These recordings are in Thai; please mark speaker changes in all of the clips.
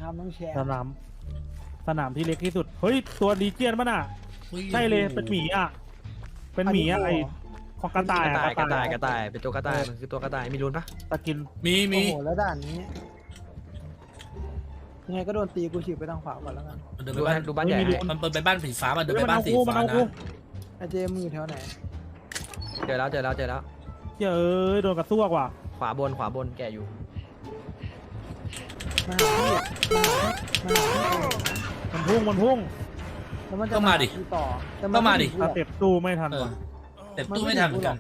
Speaker 1: ครับน้องแชร์
Speaker 2: สนามที่เล็กที่สุดเฮ้ยตัวดีเจียนป่ะน่ะใช่เลยเป็นหมีอ่ะเป็นหมีอ่ะไอของกระต่าย
Speaker 3: กระต่ายเป็นตัวกระต่ายมันคือตัวกระต่ายมีรุนปะ
Speaker 2: ตะกิน
Speaker 4: มี
Speaker 1: โอ้โหแล้วด่านนี้ยังไงก็โดนตีกูฉีกไปทางขวาก่อนแล้วกัน
Speaker 4: มันเดินไปบ้าน
Speaker 3: ดูบ้านใหญ่
Speaker 4: มันไปบ้านสีฟ้ามันเดินไปบ้านสีฟ้านะ
Speaker 1: ไอเจมือแถวไหน
Speaker 3: เจอแล้ว
Speaker 2: เฮ้ยโดนกระซวกว่ะ
Speaker 3: ขวาบนแกอยู่
Speaker 1: มาหาพี่
Speaker 2: มันพุ่ง
Speaker 1: แล้วมันจะ
Speaker 4: ก็มาดิ
Speaker 1: ต่อ
Speaker 4: ก็มาดิ
Speaker 2: สเต็ปตู้ไม่ทันว่ะ
Speaker 4: แต่ตู้ไม่ทันเหมือนกัน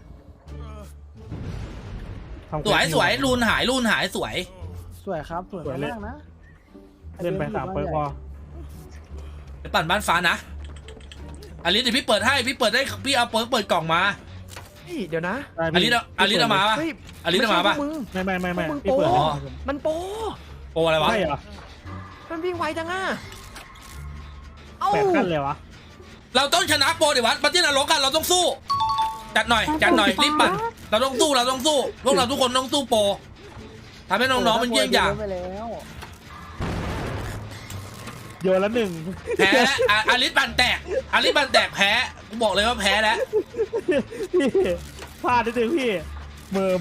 Speaker 2: ทำ
Speaker 4: สวยรูนหายสวย
Speaker 1: สวยครับสวยมากนะ
Speaker 2: เล่นไป3เปิร์กพอ
Speaker 4: ไปปั่นบ้านฟ้านะอลิสเดี๋ยวพี่เปิดให้พี่เอาเปิดกล่องมา
Speaker 3: เดี๋ยวนะ
Speaker 4: อลิสเอามาปะอลิสเอามาปะ
Speaker 2: ไม่พี่
Speaker 3: โป
Speaker 2: เปิด
Speaker 3: มันโป
Speaker 4: โปอะไรวะ
Speaker 2: ใช่เหรอ
Speaker 3: มันวิ่งไวจังอ่ะเอ้า
Speaker 2: 8 ขั้นเลยวะ
Speaker 4: เราต้องชนะโปรดิวัตปฏินรกกันเราต้องสู้จัดหน่อยรีบปั่นเราต้องสู้พวกเราทุกคนต้องสู้โปรทำให้น้องๆมันเยี่ยงอย่าง
Speaker 1: ไปแล้ว
Speaker 2: โยนละหนึ่ง
Speaker 4: แพ้อลิสปั่นแตกแพ้กูบอกเลยว่าแพ้แล้ว
Speaker 2: พี่พลาดนิดนึงพี่เมอ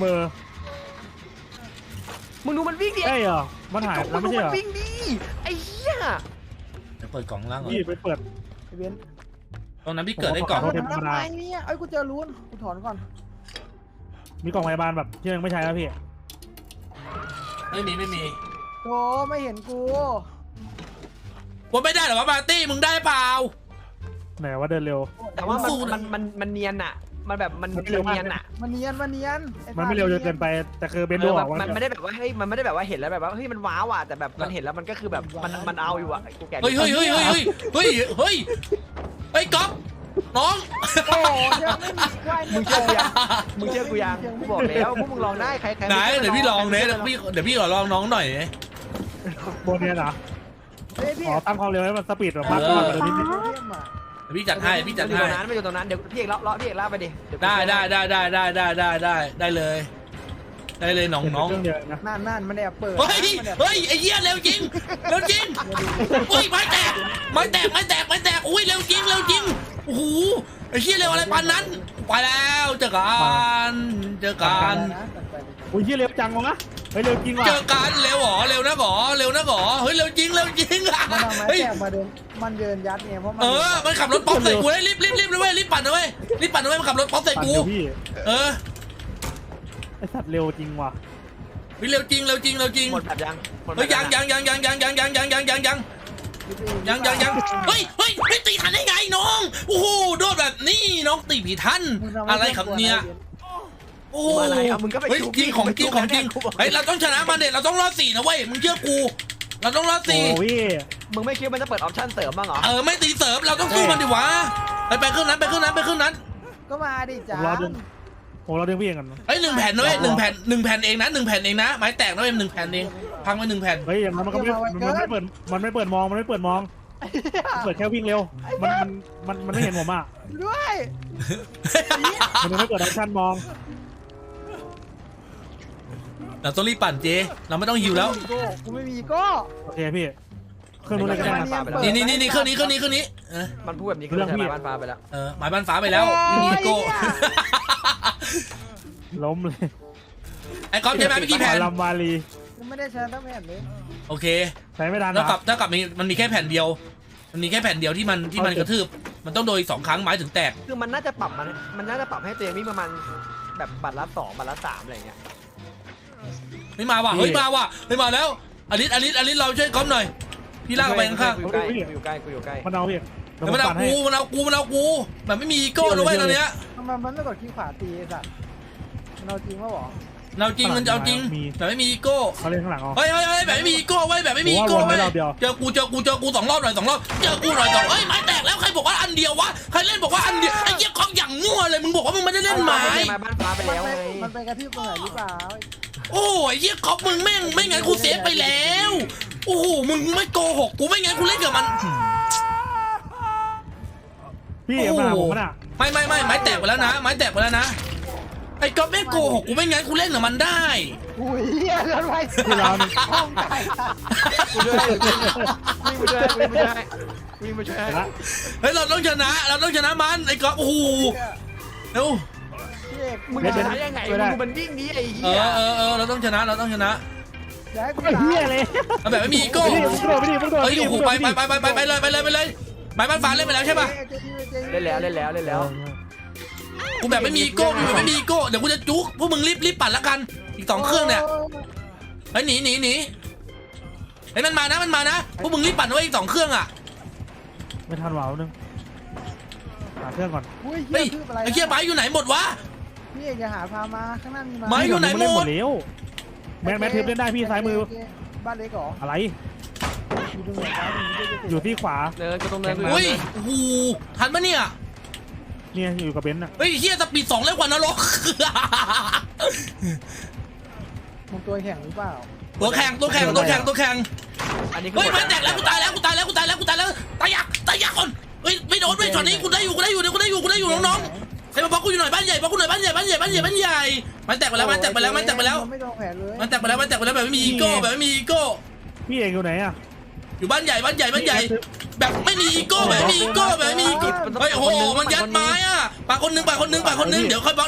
Speaker 3: มึงดูมันวิ่งดิ
Speaker 2: ใช่เหรอมันหายแล้วไม่ใช่เหรอ
Speaker 3: มันวิ่งดิไอ้เหี้ย
Speaker 4: เดี๋ยวเปิดกล่องล่างก่อน
Speaker 2: พี่ไปเปิด
Speaker 1: ไอเบน
Speaker 4: ตรงนั้นพี่เกิดได้กล่อง
Speaker 2: ขอโทษ
Speaker 1: ทำไมเนี่ยไอ้กูเจอลุ้นกูถอนก่อน
Speaker 2: มีกล่องพยาบาลแบบที่ยังไม่ใช้แล้วพี่
Speaker 4: ไม่มี
Speaker 1: โธ่ไม่เห็นกู
Speaker 4: ว่าไม่ได้หรอวะปาร์ตี้มึงได้เปล่า
Speaker 2: ไหนว่าเดินเร็ว
Speaker 3: แต่ว่า
Speaker 4: สู้นะ
Speaker 3: มันเนียนอ่ะมันแบบมัน
Speaker 2: มันเร็วมาก
Speaker 3: เนียนอ่ะ
Speaker 1: มันเนียนไอ้
Speaker 2: มันไม่เร็วจนเกินไปแต่คือเบนโดออก
Speaker 3: มันไม่ได้แบบว่าเฮ้ยมันไม่ได้แบบว่าเห็นแล้วแบบว่าเฮ้ยมันว้าวอ่ะแต่แบบมันเห็นแล้วมันก็คือแบบมันเอาอยู่อ่ะกูแก่
Speaker 4: เฮ้ยก๊อฟน้อง
Speaker 1: โอ้ยังไม่มีควาย
Speaker 3: มึงเชื่อกูยังกูบอกแล้วพวกมึงลองได้ใคร
Speaker 4: ไหนเดี๋ยวพี่ลองเนี่ยเดี๋ยวพี่ขอลองน้องหน่อย
Speaker 2: โบเนียนเหรอ
Speaker 1: เฮ้ยพี่
Speaker 2: อ๋อตั้งความเร็วให้มันสปีดแบบมากกว่าเดิมนิดนึง
Speaker 1: เยี่ยมอ่ะ
Speaker 4: เดี๋ยวพี่จัดให้
Speaker 3: ไม่อยู่ตรงนั้นเดี๋ยวพี่เอกเลาะพี่เอกลากไปดิ
Speaker 4: ได้เลยน้อง
Speaker 2: เครื่องเดียวนะ
Speaker 1: นั่นมันแอบเปิด
Speaker 4: เฮ้ยไอ้เหี้ยเร็วจริงอุ้ยไม้แตกอุ้ยเร็วจริงโอ้โหไอ้เหี้ยเร็วอะไรปานนั้นไปแล้วเจอกัน
Speaker 2: อุ้ยเร็วจังวะเฮ้ยเร็วจริงว่ะ
Speaker 4: เจอกันเร็วนะหรอเฮ้ยเร็วจริง
Speaker 1: มันเอาไม้
Speaker 4: เฮ้ย
Speaker 1: แตกมาเดินมันเดินยัดเนี่ยเพราะมัน
Speaker 4: มันขับรถป๊อปใส่กูเลยรีบเลยเว้ยรีบปั่นนะเว้ยมันขับรถป๊อปใส่กู
Speaker 2: พี่ ไอสัตว์เร็วจริงว่ะ
Speaker 4: เร็วจริง
Speaker 3: หมดแบบยัง
Speaker 4: เฮ้ยยังเฮ้ยตีทันได้ไงน้องโอ้โหโดนแบบนี้น้องตีผีทันอะไรครับเนี่ยโอ้โห
Speaker 3: อะไรครับมึงก็ไป
Speaker 4: เฮ้ยจริงของจริงเฮ้ยเราต้องชนะมันเด็ดเราต้องรอด4นะเว้ยมึงเชื่อกูเราต้องรอด
Speaker 2: โอ้พี่
Speaker 3: มึงไม่คิดมันจะเปิดออปชั่นเสริมบ้างเหรอ
Speaker 4: ไม่ตีเสริมเราต้องสู้มันดิวะไปเครื่องนั้น
Speaker 1: ก็มาดิจ้า
Speaker 2: เราดึงพี่เองกัน
Speaker 4: เฮ้ย1 แผ่นนะเว้ย1 แผ่นเองนะไม้แตกนะเว้ย1 แผ่นเองพังไป1 แผ่น
Speaker 2: เฮ้ยอย่างนั้นมันก็ไม่เปิดมองเปิดแค่วิ่งเร็วมันไม่เห็นผมอ่ะ
Speaker 1: ด้วย
Speaker 2: มันไม่เปิดออปชั่นมอง
Speaker 4: เราต้องรีบปั่นเจเราไม่ต้องหิวแล้ว
Speaker 1: กูไม่มีก็
Speaker 2: โอเคพี่เครื่องนู้นเลยก็ได้
Speaker 4: นี่เครื่องนี้
Speaker 3: มันพูดแบบนี้คือใช้บ้านฟ้าไปแล้ว
Speaker 4: หมายบ้านฟ้าไปแล้วนี่โก้
Speaker 2: ล้มเลย
Speaker 4: ไอ้ก๊อฟใช่ไหมเมื่อกี้แผ่น
Speaker 2: ลำวาลี
Speaker 1: กูไม่ได้ใช้ทั้งแผ่นเลย
Speaker 4: โอเค
Speaker 2: ใช้ไม่ทัน
Speaker 4: ถ้ากับมันมีแค่แผ่นเดียวที่มันกระทืบมันต้องโดย2 ครั้งไม้ถึงแตก
Speaker 3: คือมันน่าจะปรับมันน่าจะปรับให้ตัวเองวิ่งประมาณแบบบัตรละ2บัตรละ3อะไรอย่างเงี้ย
Speaker 4: ไม่มาว่ะเฮ้ยมาแล้วอลิสเราช่วยก๊อฟหน่อยพี่ลากไปข้าง
Speaker 3: กูอยู่ใกล้
Speaker 2: มันเอาพี่
Speaker 4: ๆมันเอากูแบบไม่มีอีโก้นะเว้ยตอนเนี้ย
Speaker 1: ทำไมมันไม่กดขี้ขวาตีไอ้สัตว์มันเอาจริงป่ะหรอ
Speaker 4: เราจริงมันเอาจริงแต่ไม่มีอีโก้
Speaker 2: เขาเล่นข้างหลังอ๋อ
Speaker 4: เฮ้ยแบบไม่มีอีโก้เว้ยแบบไม่มีอีโก้เว้ยเจอกู2 รอบหน่อย2 รอบเจอกูหน่อย2เฮ้ยไม้แตกแล้วใครบอกว่าอันเดียววะใครเล่นบอกว่าอันเดียวไอ้เหี้ยของอย่างมั่วเลยมึงบอกว่ามึงไม่ได้เล่นไม้
Speaker 3: บ้านฟ้าไปแล้วไง
Speaker 1: มันไปกระทืบตรงไหนหรือเปล่า
Speaker 4: โอ้ยเหี้ยก๊อฟมึงแม่งไม่งั้นกูเซฟไปแล้วโอ้โหมึงไม่โกหกกูไม่งั้นกูเล่นกับมัน
Speaker 2: พี่มาผมมันอ่ะ
Speaker 4: ไม่ไม้แตกไปแล้วนะไอ้ก๊อฟไม่โกหกกูไม่งั้นกูเล่นกับมันได้
Speaker 1: อุ้ยเหี้ยเลื่อนไว้
Speaker 2: ที่เราเนี่ย
Speaker 1: ห้องใจ
Speaker 3: กูด้วยวิ่งมาช่วยวิ่งมาช่วย
Speaker 2: ละ
Speaker 4: เฮ้ยเราต้องชนะมันไอ้ก๊อฟโอ้โหเร็ว
Speaker 1: พี่เอก
Speaker 3: มึงจะชนะยังไงมึงมันวิ่งนี้ไอ้เหี้
Speaker 4: เราต้องชนะ
Speaker 1: อย่าให้กู
Speaker 2: ไอ้เหี้ยเลย
Speaker 4: เอาแบบไม่มีอีโก้
Speaker 2: มึงโดดไม่ดีมึงโดด
Speaker 4: เฮ้ย
Speaker 2: ไม่ดี
Speaker 4: โอ้โหไปเลยไม้บ้านฟ้าเล่นไปแล้วใช่ป่ะ
Speaker 3: เล่นแล้ว
Speaker 4: กูแบบไม่มีอีโก้เดี๋ยวกูจะจุกพวกมึงรีบปั่นละกันอีก2 เครื่องเนี่ยเฮ้ยหนีเฮ้ยมันมานะพวกมึงรีบปั่นไว้อีก2 เครื่องอ่ะ
Speaker 2: ไม่ทันหวาวนึงหาเครื่องก่อน
Speaker 1: อุ้ย
Speaker 4: เฮ้ย
Speaker 1: เหี้ยคืออะไร
Speaker 4: ไอ้เหี้ยไม้อยู่ไหนหมดวะ
Speaker 1: พี่เอกอย่าหาพามาข้างหน้ามี
Speaker 4: ไม้อยู่ไหนหมด
Speaker 2: เล่นแล้วแมทเทปเล่นได้พี่ซ้ายมือ
Speaker 1: บ้านเล็กเหรอ
Speaker 2: อะไร
Speaker 1: อยู่ตรงไหนซ้ายมือ
Speaker 2: อยู่ที่ขวา
Speaker 3: เดินก็ต้องเดิน
Speaker 4: อุ้ยโอ้โหทันปะเนี่ย
Speaker 2: เนี่ยอยู่กับเบนซ์น่ะ
Speaker 4: เฮ้ยเหี้ยสปีด2เร็วกว่านรก
Speaker 1: มึงตัวแข็งหรือเปล่า
Speaker 4: ตัวแข่ง
Speaker 3: อันนี้
Speaker 4: เฮ้ยมันแตกแล้วกูตายแล้วตายยักคนเฮ้ยไม่โดนไม่ช็อตนี้กูได้อยู่น้องๆใครมาบล็อกกูอยู่หน่อยบ้านใหญ่มันแตกไปแล้ว
Speaker 1: ไม่โดนแผลเลย
Speaker 4: มันแตกไปแล้วแบบไม่มีอีโก้
Speaker 2: พี่เอกอยู่ไหนอ่ะ
Speaker 4: อยู่บ้านใหญ่แบบไม่มีอีโก้เฮ้ยโอ้โหมันยัดไม้อ่ะปาคนนึงเดี๋ยวค่อยบล็อก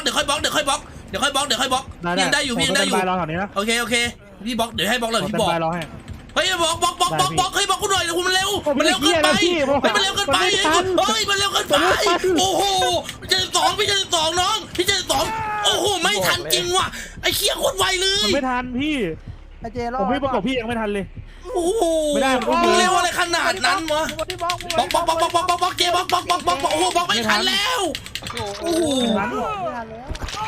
Speaker 4: ยังได้อยู่
Speaker 2: รอแถวนี้นะ
Speaker 4: โอเคพี่บล็อกเดี๋ยวให้บล็อกเลยพี่บอก
Speaker 2: รอให้
Speaker 4: เฮ้ยบล็อกเฮ้ยบล็อกกูหน่อยเดี๋ยวมันเร็วเกินไปมันเร็วเกินไปโอ้โหพี่จะ2น้องพี่จะ2โอ้โหไม่ทันจริงว่ะไอ้เคี้ยโคตรไวเลย
Speaker 2: ไม่ทันพี่
Speaker 1: ไอเจรอ
Speaker 2: ผมไม่ประกบพี่ยังไม่ทันเลย
Speaker 4: โอ้โห
Speaker 2: ไม่ได้
Speaker 4: มึงเร็วอะไรขนาดนั้นวะ
Speaker 1: บล็อก
Speaker 4: บล็อกเจบล็อกโอ้โหบล็อกไม่ทันแล้วโอ้โห
Speaker 1: ไม่ทันแล้ว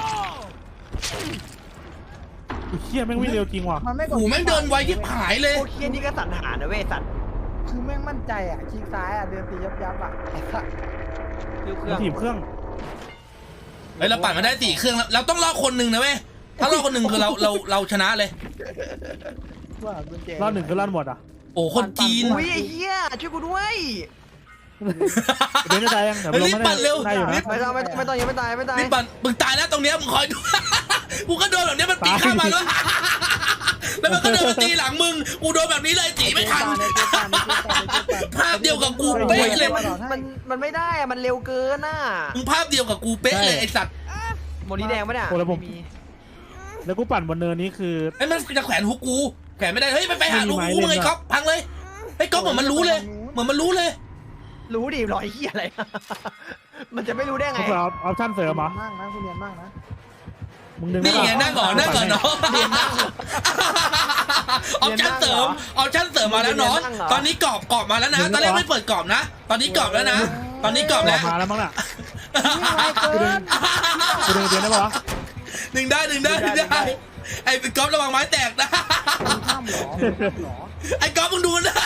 Speaker 2: เชี่ยแม่งวิ่งเร็วจริงว่ะ
Speaker 1: มันไม่
Speaker 4: โอ้โหแม่งเดินไวที่ผายเลย
Speaker 3: โอเคนี่ก็สันหานะเว้ยสัตว์
Speaker 1: คือแม่งมั่นใจอ่ะคลิกซ้ายอ่ะเดินตียับอ่ะไอ้สัส
Speaker 2: ถีบเครื่อง
Speaker 4: เฮ้ยเราปั่นมาได้4 เครื่องแล้วเราต้องรอคนหนึ่งนะเว้ยถ้ารอคนหนึ่งคือเราชนะเลย
Speaker 1: ว่ากุญแจ
Speaker 2: รอบหนึ่งก็รอดหมดอ่ะ
Speaker 4: โอ้คนจีน
Speaker 3: อุ้ยไอ้เหี้ยช่วยกูด้วย
Speaker 2: เบนซ์จะตายยังเดี๋ยวลงมาได้อยู่นะ
Speaker 3: ไม่ต้องยังไม่ตาย
Speaker 4: รีบปั่นมึงตายแล้วตรงเนี้ยมึงคอยดู กูก็โดนแบบเนี้ยมันปีนข้ามมาแล้ว แล้วมันก็เดินมาตีหลังมึงกูโดนแบบนี้เลยตีไม่ทันภาพเดียวกับกูเป๊ะเลย
Speaker 3: มันไม่ได้อะมันเร็วเกินน่ะ
Speaker 4: มึงภาพเดียวกับกูเป๊ะเลยไอสัตว์
Speaker 3: โมนี้แดงปะเนี่ย
Speaker 2: แล้วกูปั่นบนเนินนี้คือ
Speaker 4: ไอ้มันจะแขวนฮุกกูแขวนไม่ได้เฮ้ยไปหาลูกกูเลยก๊อฟพังเลยไอ้ก๊อฟเหมือนมันรู้เลย
Speaker 3: รู้ดิรอยเหี้ยอะไร มันจะไม่รู้ได้ไง
Speaker 2: เขาเปิดออปชั่นเสริมเหรอ
Speaker 1: มากนะคุณเรียนมากนะ
Speaker 2: มึงดึง
Speaker 4: นี่ไงนั่งก่อนเนาะออปชั่นเสริมมาแล้วน้องตอนนี้กรอบมาแล้วนะตอนแรกไม่เปิดกรอบนะตอนนี้กรอบแล้วนะตอนนี้กรอบแล้ว
Speaker 2: มาแล้วมั้งน่ะ
Speaker 1: นี่ไวเกิน
Speaker 2: กูดึงเบนซ์ได้ปะวะ
Speaker 4: ดึงได้ไอ้ก๊อฟระวังไม้แตกนะ
Speaker 1: ข้ามหรอ
Speaker 4: ไอ้ก๊อฟมึงดูนะ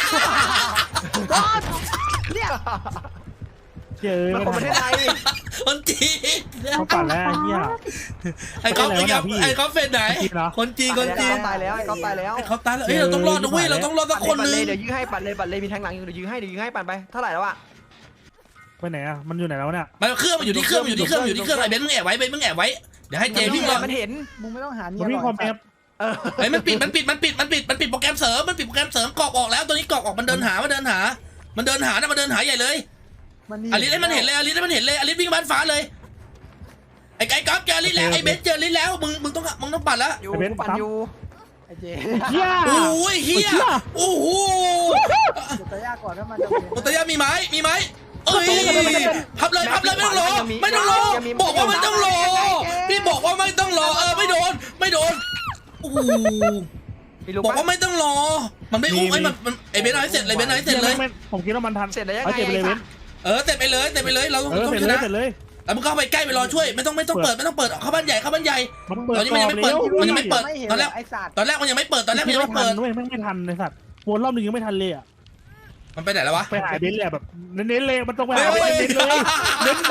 Speaker 1: เนี่ย
Speaker 2: เจ๋ย
Speaker 3: มันคนประเทศไทย
Speaker 4: คนจีน
Speaker 2: เขาปั่นแล้วเฮีย
Speaker 4: ไอ้ก๊อฟเฟนไหนคนจีน
Speaker 3: ตายแล้วไอ้ก๊อฟตายแล้ว
Speaker 4: ไอ้เขาตายแล้วเฮ้ยเราต้องรอดนะเว้ยเราต้องรอดสักคนนึง
Speaker 3: เดี๋ยวยื้อให้ปั่นเลยมีแทงหลังอยู่เดี๋ยวยื้อให้ปั่นไปเท่าไหร่แล้วอะ
Speaker 2: ไปไหนอ่ะมันอยู่ไหนแล้วเนี่ย
Speaker 4: มันเครื่องมันอยู่ที่เครื่องไอ้เบนซ์มึงแอบไว้เดี๋ยวให้เจวิ่งมา
Speaker 3: มันเห็น
Speaker 1: มึงไม่ต้องหาเนี
Speaker 2: มันวิ่งคอมแอป
Speaker 4: ไอ้มันปิดโปรแกรมเสริมกรอบออกแล้วตัวนี้กรอบออกมันเดินหาใหญ่เลยอลิสให้มันเห็นเลยอลิสวิ่งบ้านฟ้าเลยไอ้ก๊อฟเจออลิสแล้วไอ้เบนซ์เจออลิสแล้วมึงต้องปัดแล้ว
Speaker 3: อยู่ปั่นอยู่
Speaker 1: ไอเจ
Speaker 2: เฮีย
Speaker 4: โอ้ยเฮียโอ้โห
Speaker 1: จะยากก่อนถ้ามันจะเป็น
Speaker 4: โอตยามีไหมเอ้ยพับเลยไม่ต้องรอบอกว่าไม่ต้องรอพี่บอกว่าไม่ต้องรอไม่โดนโอ้โหบอกว่าไม่ต้องรอมันไม่อุ้มมันไอเบนซ์ให้เสร็จเลย
Speaker 2: ผมคิดว่ามันทัน
Speaker 3: เสร็จแล้วยัง
Speaker 2: เอา
Speaker 3: ไง
Speaker 2: เจ็บไปเลยเบน
Speaker 4: เสร็จไปเลยเราต้อง
Speaker 2: เสร็จ
Speaker 4: ช
Speaker 2: เลย
Speaker 4: นะ
Speaker 2: เสร็จเลย
Speaker 4: แล้วมึงเข้าไปใกล้ไปรอช่วยไม่ต้องเปิดเข้าบ้านใหญ่
Speaker 2: มันเปิด
Speaker 4: ตอนนี้มันยังไม่เปิดมันยังไม่เปิดตอนแรก
Speaker 1: ไอสัตว์
Speaker 4: ตอนแรกมันยังไม่เปิด
Speaker 2: ด้วยไม่ทันในสัตว์วนรอบนึงยังไม่ทันเลยอ่ะ
Speaker 4: มันไปไหนแล้ววะ
Speaker 2: ไปหาเบนซ์เลยแบบเน้นเลยมันต้องไปหาเบนซ์เลยเน้น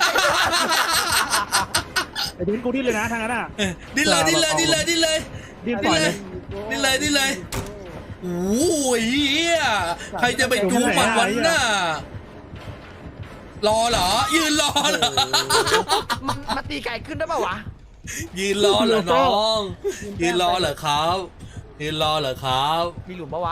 Speaker 2: ไอ้เบนซ์กูดิ้นเลยนะทางนั้นอ่ะ
Speaker 4: ดิ้นเลย
Speaker 2: ดิ้นปล่อยเลย
Speaker 4: โอ้ยใครจะไปจูมันวันน่ะรอเหรอยืนรอเหรอ
Speaker 3: มันตีไก่ขึ้นได้ป่าวะ
Speaker 4: ยืนรอเหรอน้องยืนรอเหรอครับยืนรอเหรอครับ
Speaker 3: มีหลุมปะวะ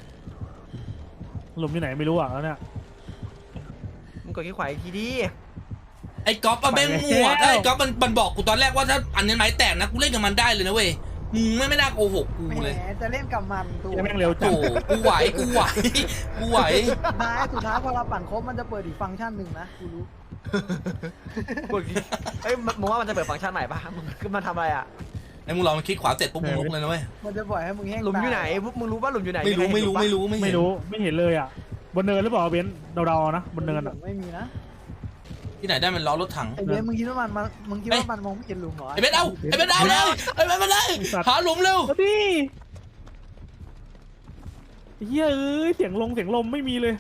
Speaker 2: หลุมที่ไหนไม่รู้อ่ะแล้วเนี่ย
Speaker 3: มึงกดขี้ขวาอีกทีดิ
Speaker 4: ไอ้ก๊อฟมันแม่งมั่วถ้าไอ้ก๊อฟมันบอกกูตอนแรกว่าถ้าอันนี้ไม้แตกนะกูเล่นกับมันได้เลยนะเว้ยมึงไม่น่าโกหกกู
Speaker 1: แหม
Speaker 4: เลย
Speaker 1: จะเล่นกับมันตัว
Speaker 2: แม่งเร็วจั
Speaker 4: โอ้
Speaker 2: ง
Speaker 4: กูไหวกูไหวกูไหว
Speaker 1: สุดท้ายพอเราปั่นครบมันจะเปิดอีกฟังก์ชันหนึ่งนะกูรู้
Speaker 3: กดขี้เอ้ยมึงว่ามันจะเปิดฟังก์ชันใหม่ปะมึงขึ้นมาทำอะไรอ่ะ
Speaker 4: ไอ้มึงลองมันคลิกขวาเสร็จปุ๊บมึงลุกเลยนะเว้ย
Speaker 1: มันจะปล่อยให้มึงแห้ง
Speaker 3: หลุมอยู่ไหน
Speaker 1: ตา
Speaker 3: พวกมึงรู้ป่ะหลุมอยู่ไหน
Speaker 4: ไม่รู้ไม่รู้ไม่รู้
Speaker 2: ไม่
Speaker 4: เห็น
Speaker 2: รู้ไม่เห็นเลยอ่ะบนเนินหรือเปล่าเบนซ์เดาๆนะบนเนินอ่ะ
Speaker 1: ไม่มีนะ
Speaker 4: ที่ไหนได้มันล้อรถถัง
Speaker 1: ไอเบนมึงคิดว่ามึงคิดว่ามันมองไม่เห็นหลุมเหรอ
Speaker 4: ไอ้เบนเอาไอ้เบนเอาเลยไอ้เบนมาเลยหาหลุมเร็ว
Speaker 2: เอาดิเฮ้ยเอ้ยเสียงลมไม่มีเลย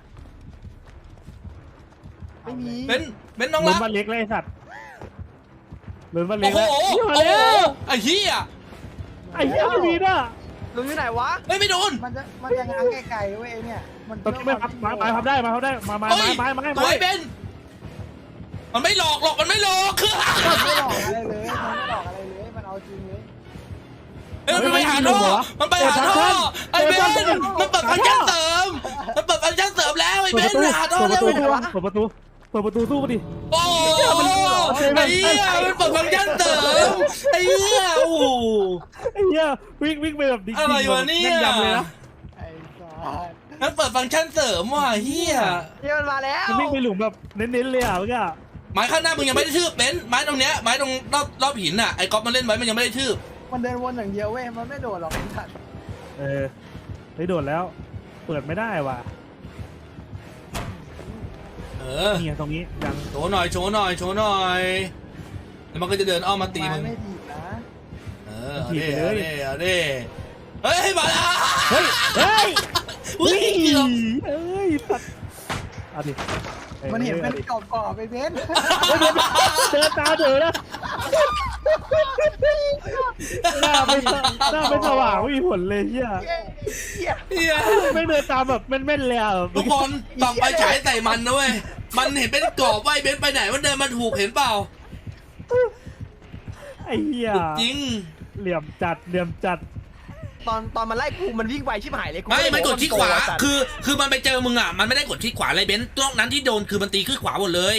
Speaker 1: ไม่มี
Speaker 4: เบนน้อง
Speaker 2: หลุ
Speaker 4: รั
Speaker 2: ม
Speaker 4: ก
Speaker 2: บ้านเล็กเลยไอ้สัตว์หลุมบ้านเล็
Speaker 4: โอ้
Speaker 2: ก
Speaker 4: โห
Speaker 2: แล้ว
Speaker 4: โอ้
Speaker 2: เหี้ย
Speaker 4: โหไอ้เหี้ย
Speaker 2: ไอ้เหี้ยไม่มีน่ะ
Speaker 3: หลุมอยู่ไหนวะ
Speaker 4: เฮ้ยไม่โดน
Speaker 1: มันจะง้างไกลๆเว้ยไอ้เนี่ยมัน
Speaker 2: ตอนนี้ไม่พับไม้พับได้ไม้พับได้ไม้
Speaker 4: เฮ้ย
Speaker 2: ไม้
Speaker 4: ตัวไอ้เบนมันไม่หลอกหรอกมันไม่หลอกคือ
Speaker 1: มันไม่หลอกอะไรเลยมันไม่หลอกอะไรเลยมันเอาจริงเลย
Speaker 4: เฮ้ยมันไปหาท่อมันไปหาท่อไอ้เบนมันเปิดฟังก์ชันเสริมมันเปิดฟังก์ชันเสริมแล้วไอ้เบนไปหาท่อ
Speaker 2: เปิด
Speaker 4: เร็
Speaker 2: ประตู
Speaker 4: ว
Speaker 2: เปิดประตูสู้ดิ
Speaker 4: โอ้โหไอ้เหี้ยมันเปิดฟังก์ชันเสริมไอ้เหี้ยโอ้โห
Speaker 2: ไอ้เหี้ยวิ่งไปแบบดิ๊ก
Speaker 4: อะไรวะเนี่ย
Speaker 2: แม่นยำเลยนะ
Speaker 1: ไอ้สัส
Speaker 4: มันเปิดฟังก์ชันเสริมว่ะเหี้ย
Speaker 3: เฮียมันมาแล้ว
Speaker 2: มันวิ่งไปหลุมแบบเน้นๆเลยอ่ะเมื่อกี้
Speaker 4: ไม้ข้างหน้ามึงยังไม่ได้ทืบเบนไม้ตรงเนี้ยไม้ตรงรอบหินน่ะไอ้ก๊อฟมันเล่นไว้มันยังไม่ได้ทืบ
Speaker 1: มันเดินวนอย่างเดียวเว้ยมันไม่โดดหรอกไอ้สัส
Speaker 2: ได้โดดแล้ว เปิดไม่ได้ว่ะ
Speaker 4: เออ
Speaker 2: นี่ตรงนี้ยัง
Speaker 4: โชว์หน่อยโชว์หน่อยโชว์หน่อยแล้วมันก็จะเดินอ้อมมาตีมึง
Speaker 1: ไม่ดีนะ
Speaker 4: เออเอาดิเอาดิเฮ้ยมาแล้ว
Speaker 2: เฮ้ย
Speaker 4: อุ้ยเกือบ
Speaker 2: เอ้ยสัตว์เอาดิ
Speaker 1: มันเห็นเป็นกรอบๆไปเบน
Speaker 2: เดินตามเถอะนะหน้าไม่สว่างไม่มีผลเลยเฮีย
Speaker 4: เหี้ย
Speaker 2: ไม่เดินตามแบบแม่นๆเลยอ่ะ
Speaker 4: ทุกคนส่องไฟฉายใส่มันนะเว้ยมันเห็นเป็นกรอบว่าไอ้เบนไปไหนมันเดินมาถูกเห็นเปล่า
Speaker 2: ไอ้เฮีย
Speaker 4: จริง
Speaker 2: เหลี่ยมจัด
Speaker 3: ตอนมันไล่กูมันวิ่งไวชิบหายเลยกู
Speaker 4: ไม่มันกดที่ขวา
Speaker 3: สัตว์
Speaker 4: คือมันไปเจอมึงอ่ะมันไม่ได้กดที่ขวาอะไรเบนตรงนั้นที่โดนคือมันตีขึ้นขวาหมดเลย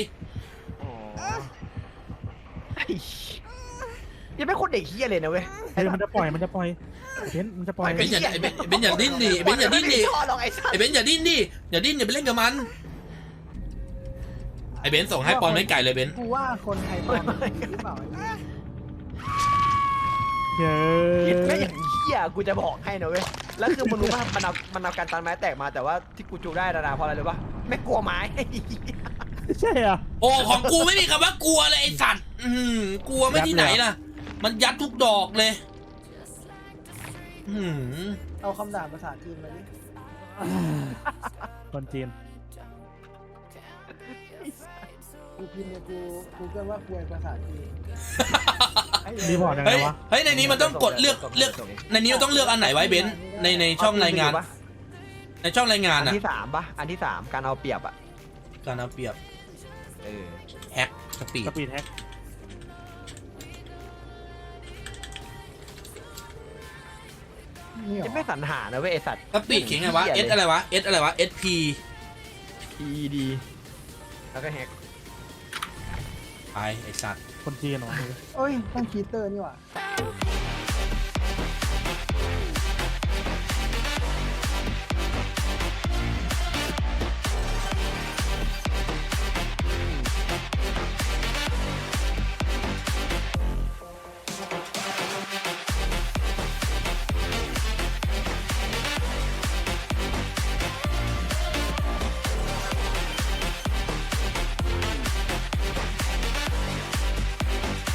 Speaker 3: ไอ้ยังไม่คนเด็กเฮียเลยนะเว้ย
Speaker 2: เฮ้ยมันจะปล่อยเบนซ์มันจะปล่อย
Speaker 4: เบนอย่าเบนอย่าดิ้นดิเบนอย่าดิ้นดิ
Speaker 3: ชอบหรอกไอ้สัต
Speaker 4: ไอ้
Speaker 3: ว์
Speaker 4: เบนอย่าดิ้นดิอย่าดิ้นอย่าไปเล่นกับมันไอ้เบนส่งให้ปอนไม่ไก่เลยเบน
Speaker 1: กูว่าคนไทยปลอมหรือเปล่า
Speaker 2: เย้
Speaker 3: คิดไม่อย่างเฮียกูจะบอกให้นะเว้ยแล้วคือมันรู้ว่ามันเอาการตันไม้แตกมาแต่ว่าที่กูจูได้นะเพราะอะไรรู้ป่ะไม่กลัวไม้
Speaker 2: ใช่อ่ะ
Speaker 4: โอ้ของกูไม่มีคำว่ากลัวเลยไอ้สัตว์กลัวไม่ที่ไหนล่ะมันยัดทุกดอกเลย
Speaker 1: เอาคำด่าภาษาจีนมาดิ
Speaker 2: คนจีน
Speaker 1: กูพิมพ์เนี่ยกูเกิดว่าคุยภาษาจีน
Speaker 2: รีพอร์ตยังไง
Speaker 4: เฮ้ยว
Speaker 2: ะ
Speaker 4: เฮ้ยในนี้มันต้องกดเลือกในนี้มันต้องเลือกอันไหนไว้เบนในช่องรายงาน ในช่องรายงาน
Speaker 3: อัน
Speaker 4: อะ
Speaker 3: ที่สามป่ะอันที่สามการเอาเปรียบอ่ะ
Speaker 4: การเอาเปรียบ
Speaker 3: เออ
Speaker 4: แฮกสปีด
Speaker 2: สปีดแฮก
Speaker 1: นี่เหรอ
Speaker 3: ยังไม่สรรหานะเว้ยไอสัตว์
Speaker 4: สปีดเขียนไงวะ S อะไรวะ S อะไรวะ SP
Speaker 3: ED แล้วก็แฮก
Speaker 4: ไปไอ้สัตว์
Speaker 2: คนจีนเหรอ
Speaker 1: เอ้ยต้องคีเตอร์นี่หว่า
Speaker 3: แต่